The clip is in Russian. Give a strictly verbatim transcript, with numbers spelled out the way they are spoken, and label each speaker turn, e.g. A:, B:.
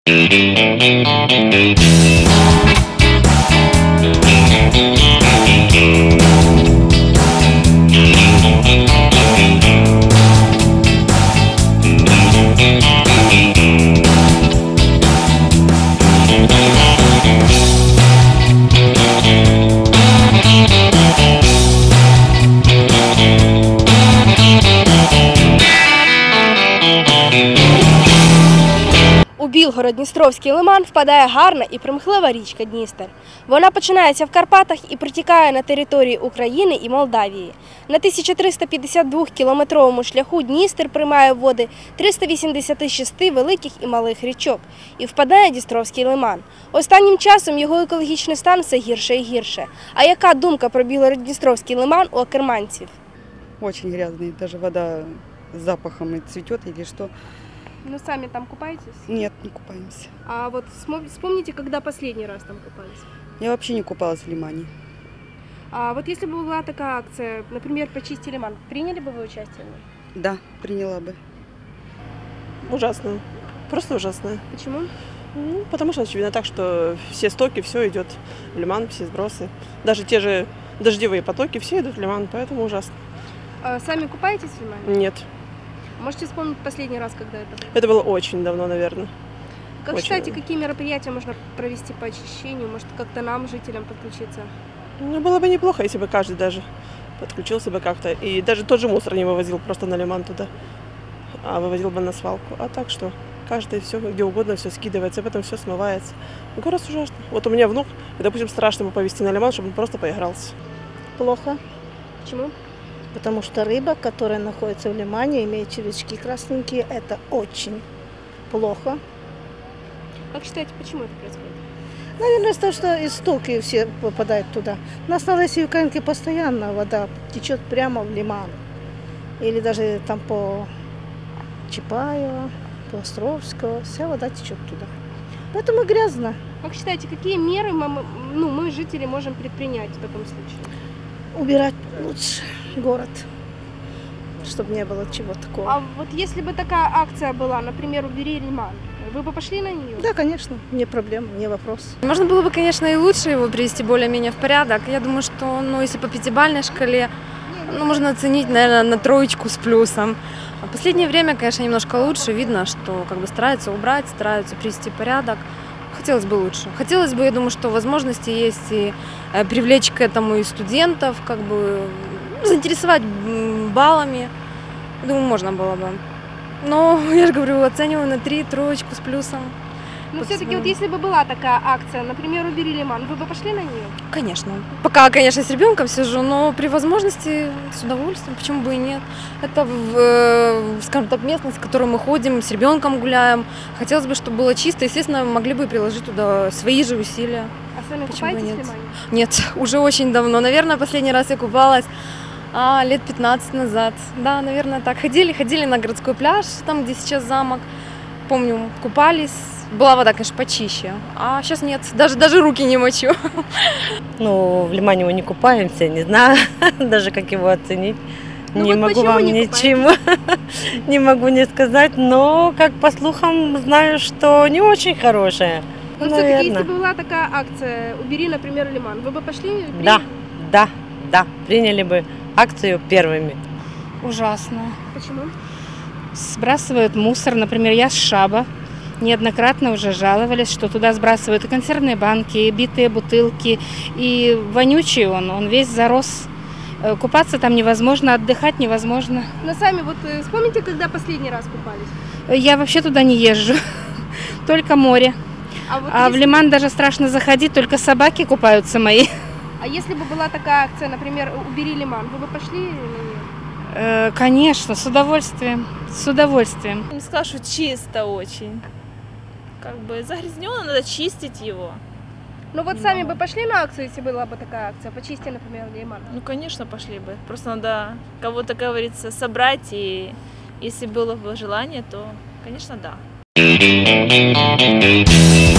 A: У Білгород-Дністровський лиман впадає гарна і примхлива річка Дністер. Вона починається в Карпатах і протікає на території України і Молдавії. На тисяча триста п'ятдесят двокілометровому шляху Дністер приймає води триста вісімдесят шість великих і малих річок і впадає Дністровський лиман. Останнім часом його екологічний стан все гірше і гірше. А яка думка про Білгород-Дністровський лиман у акерманців?
B: Очень грязный, даже вода с запахом и цветет или что.
A: Ну, сами там купаетесь?
B: Нет, не купаемся.
A: А вот вспомните, когда последний раз там купались?
B: Я вообще не купалась в лимане.
A: А вот если бы была такая акция, например, «Почисти лиман», приняли бы вы участие?
B: Да, приняла бы.
C: Ужасно. Просто ужасно.
A: Почему?
C: Ну, потому что очевидно так, что все стоки, все идет в лиман, все сбросы. Даже те же дождевые потоки, все идут в лиман, поэтому ужасно.
A: А сами купаетесь в лимане?
C: Нет.
A: Можете вспомнить последний раз, когда это было?
C: Это было очень давно, наверное.
A: Как
C: Очень
A: считаете,
C: давно.
A: какие мероприятия можно провести по очищению? Может, как-то нам, жителям, подключиться?
C: Ну, было бы неплохо, если бы каждый даже подключился бы как-то. И даже тот же мусор не вывозил просто на лиман туда, а вывозил бы на свалку. А так что каждый все, где угодно, все скидывается, потом все смывается. Город ужасный. Вот у меня внук, и, допустим, страшно бы повезти на лиман, чтобы он просто поигрался.
D: Плохо,
A: Почему?
D: потому что рыба, которая находится в лимане, имеет червячки красненькие, это очень плохо.
A: Как считаете, почему это происходит?
D: Наверное, из-за того, что истоки все попадают туда. У нас на Лесьевканке постоянно вода течет прямо в лиман. Или даже там по Чапаева, по Островского, вся вода течет туда. Поэтому грязно.
A: Как считаете, какие меры мы, ну, мы, жители, можем предпринять в таком случае?
D: Убирать лучше город, чтобы не было чего такого.
A: А вот если бы такая акция была, например, «Убери лиман», вы бы пошли на нее?
D: Да, конечно, не проблема, не вопрос.
E: Можно было бы, конечно, и лучше его привести более-менее в порядок. Я думаю, что, ну, если по пятибалльной шкале, ну, можно оценить, наверное, на троечку с плюсом. А в последнее время, конечно, немножко лучше. Видно, что как бы стараются убрать, стараются привести порядок. Хотелось бы лучше. Хотелось бы, я думаю, что возможности есть и э, привлечь к этому и студентов, как бы ну, заинтересовать м, баллами. Думаю, можно было бы. Но, я же говорю, оцениваю на три, троечку с плюсом.
A: Но
E: Вот,
A: все-таки
E: ну.
A: вот если бы была такая акция, например, «Убери лиман», вы бы пошли на нее?
E: Конечно. Пока, конечно, с ребенком сижу, но при возможности с удовольствием, почему бы и нет. Это, в, э, скажем так, местность, в которую мы ходим, с ребенком гуляем. Хотелось бы, чтобы было чисто. Естественно, могли бы приложить туда свои же усилия.
A: А сами
E: Почему бы
A: купаетесь в
E: нет?
A: лимане?
E: Нет, уже очень давно. Наверное, последний раз я купалась а, лет пятнадцать назад. Да, наверное, так. Ходили, ходили на городской пляж, там, где сейчас замок. Помню, купались. Была вода, конечно, почище, а сейчас нет, даже, даже руки не мочу.
F: Ну, в лимане мы не купаемся, не знаю даже, как его оценить.
A: Ну
F: не
A: вот
F: могу
A: почему
F: вам
A: не
F: ничего, не могу не сказать, но, как по слухам, знаю, что не очень хорошая.
A: Но все-таки, если
F: Наверное.
A: бы была такая акция «Убери, например, лиман», вы бы пошли?
F: Да, да, да, приняли бы акцию первыми.
G: Ужасно.
A: Почему?
G: Сбрасывают мусор. Например, я с Шаба. Неоднократно уже жаловались, что туда сбрасывают и консервные банки, и битые бутылки, и вонючий он, он весь зарос. Э, Купаться там невозможно, отдыхать невозможно.
A: Но сами вот э, вспомните, когда последний раз купались?
G: Э, Я вообще туда не езжу, только море.
A: А, вот
G: А в
A: если,
G: лиман даже страшно заходить, только собаки купаются мои.
A: а если бы была такая акция, например, «Убери лиман», вы бы пошли на нее?
G: Э, Конечно, с удовольствием, с удовольствием.
H: Не скажу, чисто очень. Как бы загрязненно, надо чистить его.
A: Ну вот сами бы пошли на акцию, если была бы такая акция, «Почисти, например, лиман».
H: Ну, конечно, пошли бы. Просто надо кого-то, как говорится, собрать. И если было бы желание, то, конечно, да.